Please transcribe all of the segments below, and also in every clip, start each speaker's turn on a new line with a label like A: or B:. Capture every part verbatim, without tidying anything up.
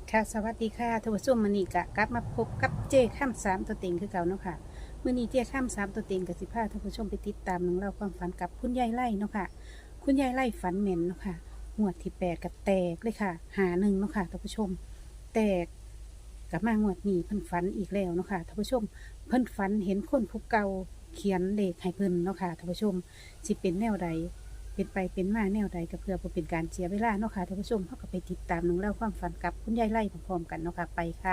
A: ค่ะสวัสดีค่ะทวชมมณีกะกลับมาพบกับเจ้ข้ามสามตัวเต็งคือเก่าเนาะค่ะมื่อนี้เจ้ข้ามสามตัวเต็งกับสิพาท่านผู้ชมไปติดตามหนังเล่าความฝันกับคุณยายไล่เนาะค่ะคุณยายไล่ฝันเหม็นเนาะค่ะงวดที่แปดกับแตกเลยค่ะหาหนึ่งเนาะค่ะท่านผู้ชม แตกกับมางวดนี้เพิ่นฝันอีกแล้วเนาะค่ะท่านผู้ชมเพิ่นฝันเห็นคนผู้เก่าเขียนเลขให้เพิ่นเนาะค่ะท่านผู้ชมสิเป็นแนวใดเป็นไปเป็นมาแนวใดก็เพื่อบ่เป็นการเสียเวลาเนาะค่ะท่านผู้ชมเราก็ไปติดตามหนังเล่าความฝันกับคุณยายไล่พร้อมๆกันเนาะค่ะไปค่ะ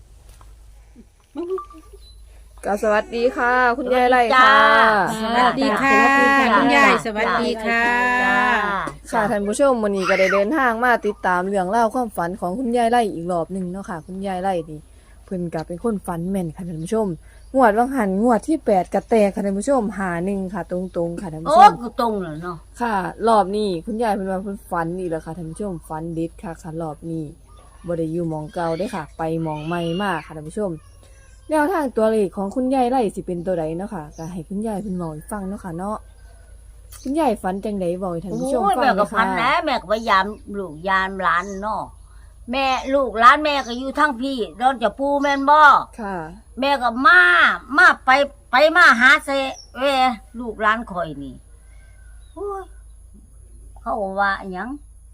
B: ก็สวัสดีค่ะ คุณยายไร่ค่ะ
A: สวัสดีค่ะคุณยายสวัสดีค่ะ
B: ค่ะท่านผู้ชมวันนี้ก็ได้เดินทางมาติดตามเรื่องเล่าวความฝันของคุณยายไร่อีกรอบหนึ่งเนาะค่ะคุณยายไร่นี่เพิ่นก็เป็นคนฝันแม่นค่ะท่านผู้ชมงวดวังหันงวดที่แปดกระแตกค่ะท่านผู้ชมหาหนึ่งค่ะ ตรงๆค่ะท่านผู้
C: โอ้
B: ชม
C: กูตรงเลยเนาะ
B: ค่ะ รอบนี้คุณยายเพิ่นว่าเพิ่นฝันอีกแล้วค่ะท่านผู้ชมฝันเด็ดค่ะค่ะรอบนี้บ่ได้อยู่หมองเก่าเด้อค่ะ ไปหมองใหม่มากค่ะท่านผู้ชม แนวทางตัวเลขของคุณยายไร่สิเป็นตัวใดเนาะค่ะก็ให้คุณยายเพิ่นเว้าให้ฟังเนาะค่ะเนาะคุณยายฝันจังได๋เว้าให้ท่านผู้ชม
C: โอ้ย
B: ฟัง
C: แม่
B: เล
C: ก็
B: ย
C: พัน
B: ค่ะ
C: นะแม่ก็พยายามลูกยามหลานเนาะแม่ลูกหลานแม่ก็อยู่ทั้งพี่โดนจะปูแม่นบ่
B: ค่ะ
C: แม่ก็มามาไปไปมาหาเซเวลูกหลานข่อยนี่โอ้ยเขาว่าหยัง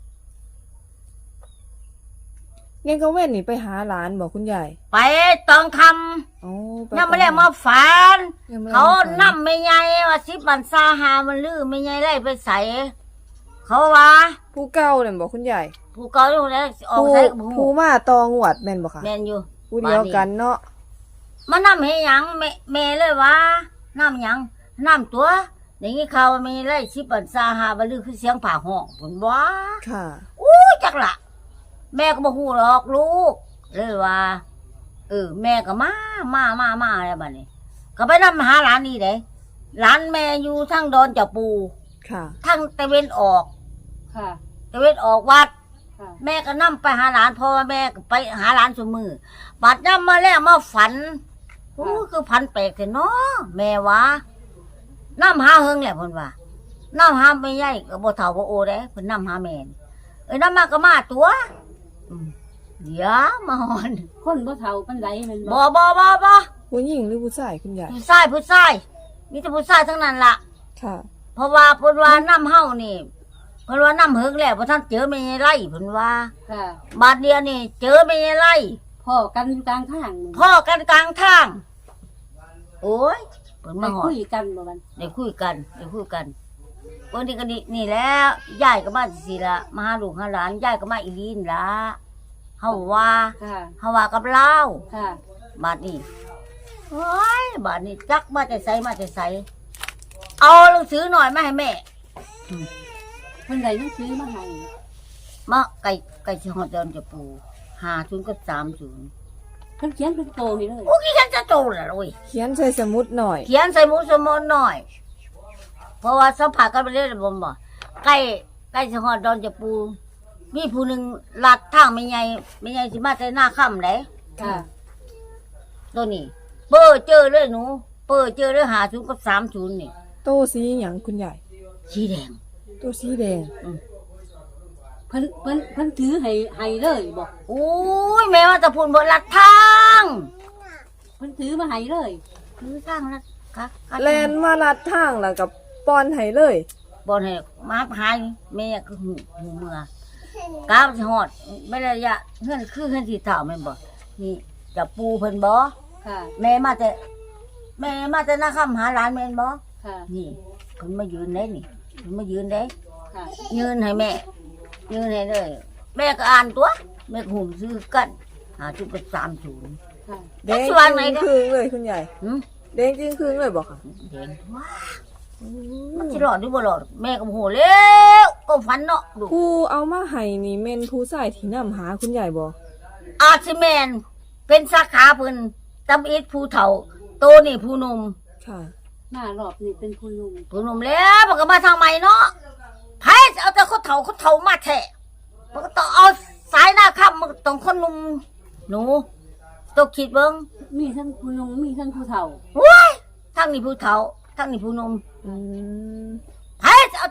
B: เงี้ยก็เว้นนี่ไปหาหลานบอกคุณยาย
C: ไปตองค
B: อ๋อป
C: ำยังไม่ได้มาฝัน
B: ยังไม่ได้
C: เขา
B: มฝั
C: นำไม่ใหญ่ว่าสิบันซาหามันลือไม่ใหญ่ไล่ไปใส่เขาว่า
B: ผู้เก่าเนี่ยบอกคุณยาย
C: ผู้เก่าอยู่แล้วออก
B: ผู้
C: ใส่กับผู้
B: ผู้มาตองวดแม่นบ่ค่ะ
C: แม่นอยู่
B: ผู้เดียวกันเนาะ
C: มานำให้หยังแม่แม่เลยว่าน้ำหยังน้ำตัวอย่างนี้เขาไม่ไล่ชิบันซาหาบลือคือเสียงผ่าห้องผลว่า
B: ค่ะ
C: อู้จักละแม่ก็บอกหูหรอกลูกเลยว่าเออแม่ก็มามามามาอะไรบ้านี้ก็ไปนำหาหลานนี่เด้หลานแม่อยู่ทั้งดอนจะปู
B: ค่ะ
C: ทั้งตะเวนออก
A: ค่ะ
C: ตะเวนออกวัด
A: ค่ะ
C: แม่ก็นำไปหาหลานเพราะว่าแม่ก็ไปหาหลานสมือบัดนำมาแล้วมาฝันโอ้คือพันแปลกแต่เนาะแม่ว่าน้ำหาเฮงแหละเพิ่นว่าน้ำหาไม่ใหญ่ก็บ่เท่าบ่โอเด้เพิ่นน้ำหาแม่นเอ้ยน้ำมาก็มาตัวอืมเดี๋ยวมาหอน
A: คนบ่เฒ่าปานใดแม่น
C: บ่บ่บ่บ่
B: ผู้หญิงหรือผู้ชายคุณยาย
C: ผู้ชายผู้ชายมีแต่ผู้ชายทั้งนั้นล่ะ
B: ค่ะ
C: เพราะว่าเพิ่นว่าน้ำเฮานี่เพิ่นว่าน้ำเฮงแล้วบ่ทันเจอแม่ใหญ่ไร่เพิ่นว่า
A: ค่ะ
C: บาดเดียวนี่เจอแม่ใหญ่ไร่
A: พ่อกันอยู่กลางทาง
C: พ่อกันกลางทาง โอ้ยเปิด
A: มา
C: มาหอ
A: คุ
C: ด
A: ยกันบ่มัน
C: ได้คุยกันได้คุยกันวันนี้ก็นี่นี่แล้วยายก็มาสิละมาหาลูกหาหลานยายก็มาอีลีนละเฮาว่า
A: ค่ะ
C: เฮาว่ากับเรา
A: ค่ะ
C: บาดนี้โอ้ยบาดนี้จักมาแต่ไสมาแต่ไสเอาหนังสือหน่อยมาให้แม่
A: เพิ่นได้หนังสือมาให้
C: มาไก่ไก่สิฮอดเดินจะปูห้าศูนย์กับสามศูนย์
A: เพิ่นเขียนเป็นโตให้เลย
C: โอ้ยฉันจะโตแล้วโอ้ย
B: เขียนใส่สมุดหน่อย
C: เขียนใส่หมูสมอนหน่อย เพราะว่าสัมผัสกันไปเรื่อยๆผมบอกใกล้ใกล้สหอดดอนจะปู มีผู้หนึ่งลัดทางไม่ใหญ่ไม่ใหญ่สิมาแต่หน้าค่ำไหน
A: ค่ะ
C: ตัวนี้ เปิดเจอเลยหนู เปิดเจอเลยหาศูนย์กับสามศูนย์นี่
B: โตสีหยังคุณยาย
C: สีแดง
B: โตสีแดง
A: เพิ่นเพิ่นเพิ่นถือให้ให้เลยบ่
C: โอ้ยแม่ว่าจะพูดบนลัดทาง
A: เพิ่นถือมาให้เลย
C: คือทางลัดค่ะ
B: แลนมาลัดทางแล้วกับป้อนให้เลย
C: บอลให้มาหายแม่ก็หูหูเมื่อกราบสิหอดไม่ระยะเงื่อนคือเงื่อนสีเท่าแม่นบ่นี่จะปูเพิ่นบ่
A: ค่ะ
C: แม่มาแต่แม่มาแต่นาคำหาหลานแม่นบ่
A: ค่ะ
C: นี่เพิ่นมายืนได้นี่เพิ่นมายืนได้
A: ค่ะ
C: ยืนให้แม่ ยืนให้เลยแม่ก็อ่านตัวแม่ก็หุ่มซื้อกันหาจุดเป็นสามศูนย์
A: ค่ะ
B: แดง
C: สว่างไหน
B: จึง
C: เนี่ย
B: ครึ่งเลยคุณยาย
C: หืม
B: แดงจึงครึ่งเลยบอกค่ะ
C: เห็นว้ามันสิรอดหรือบ่รอดแม่ก็โมโหแล้วก็ฝันเนาะลูก
B: ผู้เอามาให้นี่แม่นผู้ชายที่นำหาคุณยายบ่
C: อาร์ซิแมนเป็นสาขาเพิ่นตำอิดผู้เฒ่าโตนี่ผู้หนุ่ม
B: ค่ะ
A: มารอบนี้เป็นผู้หนุ่ม
C: ผู้หนุ่มแล้วมันก็มาทางใหม่เนาะไผจะเอาแต่คนเฒ่าคนเฒ่ามาแท้มันก็ต้องเอาสายหน้าค่ำมันก็ต้องคนหนุ่มหนูต้องคิดเบิ่ง
A: มีทั้งผู้หนุ่มมีทั้งผู้เฒ่า
C: ว้ายทั้งนี่ผู้เฒ่าทั้งนี่ผู้หนุ่ม
B: อืม
C: ไผจะเอา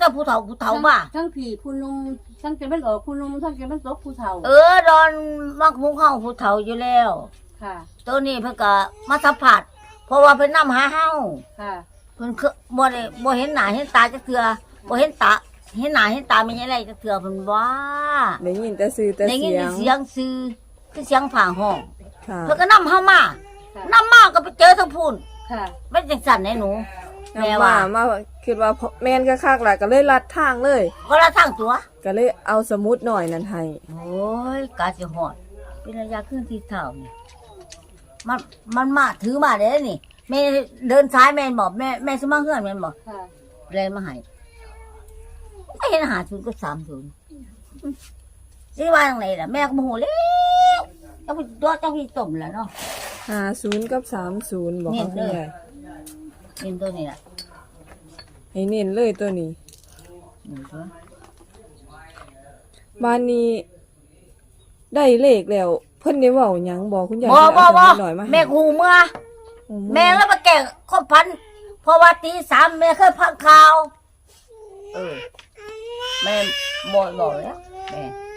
C: แต่ผู้เฒ่าผู้เฒ่ามา
D: ทั้งผีผู้นุ่มทั้งจะเป็นออกผู้นุ่มทั้งจะเป็นตกผู้เฒ่า
C: เออดอนมักมุงเฮาผู้เฒ่าอยู่แล้ว
D: ค่ะ
C: ตัวนี้เพิ่นก็มาสัมผัสเพราะว่าเพิ่นนำหาเฮา
D: ค่ะ
C: เพิ่นคือบ่ได้บ่เห็นหน้าเห็นตาจักเทื่อบ่เห็นตาเห็นหน้าเห็นตาไม่ใช่ไรจักเทื่อเพิ่นว่า
B: ได้ยินแต่ซื้อแต่
C: ได้ยิ
B: เสี
C: น
B: ยง
C: เสียงซื่อคือเสียงผ่าห้อง
B: ค่ะ
C: เพิ่นก็นำเฮามา
D: ค่ะ
C: นำมาก็ไปเจอทั้งพูน
D: ค่ะ
C: เป็นจังซั่นแหน่หนูแม่
B: นำ
C: ว่า
B: มามาคิดว่าแม่นก็คักๆล่ะก็เลยลัดทางเลย
C: ก็ละทางตัว
B: ก็เลยเอาสมุดหน่อยนั้นให้
C: โอ้ยกาสิฮอดเป็นระยะขึ้นที่เท่านี่มันมันมาถือมาเด้นี่แม่เดินซ้ายแม่นบอกแม่แม่สิมาเฮือนแม่นบอก
D: ค่ะ
C: เลยมาให้ไม่เห็นหาศูนย์ก็สามศูนย์สิว่าจังไหนล่ะแม่ก็โมโหแล้วเจ้าพี่ตัวเจ้าพี่ต้มแล้วเนาะ
B: ห้าศูนย์กับสามศูนย์บอก
C: เน้
B: เขา
C: น
B: คุณ
C: เลย
B: ยาย
C: เห็นตัวนี้ล่ะ
B: ให้เน้นเลยตัวนี้
C: นี่ตัว
B: บ้านนี้ ได้เลขแล้ว เพิ่นได้เว้าหยังบอกคุณยาย
C: บ่บ่บ่
B: หน่อยมาให้
C: แม่กูเมื่อ
B: โอ้
C: แม่แล้วมาแก่ข้อพันเพราะว่าตีสามแม่เคยพังข่าว เออ แม่บอกบอกแล้วแม่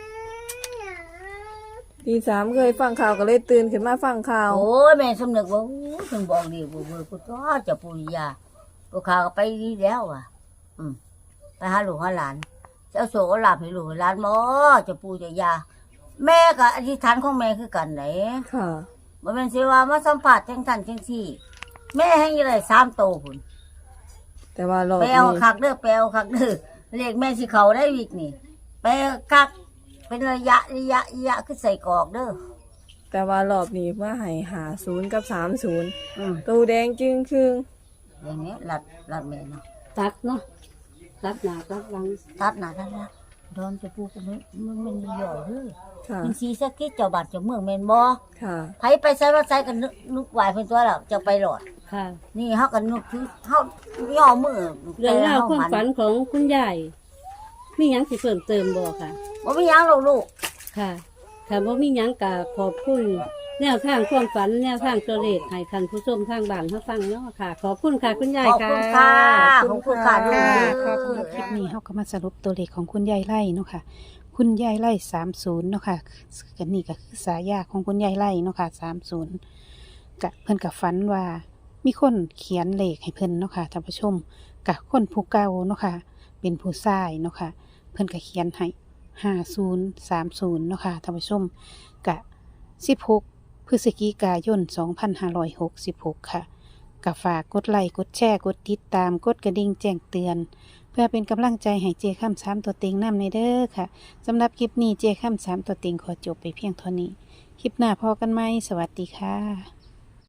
B: ตีสามเคยฟังข่าวก็เลยตื่นขึ้นมาฟังข่าว
C: โอ้ยแม่สำนึกว่าอู้ถึงบอกดีบ่เบื่อกูก็จะปุริยากูข่าวก็ไปดีแล้วอ่ะ อืมไปหาลูกหาหลานจะเอาโศกเอาลาภให้ลูกให้หลานบ่จะปูจะยา แม่กับอธิษฐานของแม่คือกันไหน
B: ค่ะ
C: บ่แม่นสิว่ามาสัมผัสจังซั่นจังซี่ แม่ให้ยังได้สามโตพุ่น
B: แต่ว่ารอบ
C: ไป
B: นี้
C: เอาคักเด้อไปเอาคักเด้อเลขแม่สิเข้าได้อีกนี่ไปคักเป็นระยะระยะระยะคือใส่กรอกเด้อ
B: แต่ว่ารอบนี้มาให้หาศูนย์กับสามศูนย์
C: อืม
B: ตูแดงจึงครึ่ง
C: อย่างนี้ลัดลัดแม่เนาะ
D: ตัดเนาะตัดหน้าตัดหลัง
C: ตัดหน้าตัดหลังโดนจะปูก็มันมันมันย่อยเด้อ
B: ค่ะ
C: มันสีสะกิดเจ้าบาดเจ้าเมืองแม่นบ่
B: ค่ะ
C: ไผไปใส่มาใส่กันนึกนึกไหวเพิ่นตัวแล้วจะไปหลอด
D: ค่ะ
C: นี่เฮาก็นึกถึงเฮาย่อมือ
D: เรื่องราว
C: แต่
D: ความ
C: เฮ
D: ฝันของคุณยายมีหยังสิเพิ่มเติมบ่ค่ะ
C: บ่มีหยังหรอกลูก
D: ค่ะค่ะบ่มีหยังกะขอบคุณแนวทางความฝันแนวทางตัวเลขให้ท่านผู้ชมทางบ้านเขาฟังเนาะค่ะ ขอบคุณค่ะคุณยาย
C: ขอบ
D: ค่ะ
C: คุณค่ะขอบคุณค่ะลูก
A: ค่ะ
C: เด้
A: ขอบคุณคลิปนี้เขาก็มาสรุปตัวเลขของคุณยายไล่เนาะค่ะ คุณยายไล่สามศูนย์เนาะค่ะกันนี่ก็คือสายาของคุณยายไล่เนาะค่ะสามศูนย์กะเพิ่นกับฝันว่า มีคนเขียนเลขให้เพิ่นเนาะค่ะท่านผู้ชมกะคนผู้เก่าเนาะค่ะ เป็นผู้ชายเนาะค่ะ เพิ่นก็เขียนให้ห้าศูนย์สามศูนย์เนาะค่ะท่านผู้ชมกะสิบหกพฤศจิกายนสองพันห้าร้อยหกสิบหกค่ะกะฝากกดไลค์กดแชร์กดติดตามกดกระดิ่งแจ้งเตือน เพื่อเป็นกำลังใจให้เจค่ำสามตัวเต็งนำในเด้อค่ะสำหรับคลิปนี้เจค่ำสามตัวเต็งขอจบไปเพียงเท่านี้ คลิปหน้าพอกันไหมสวัสดีค่ะ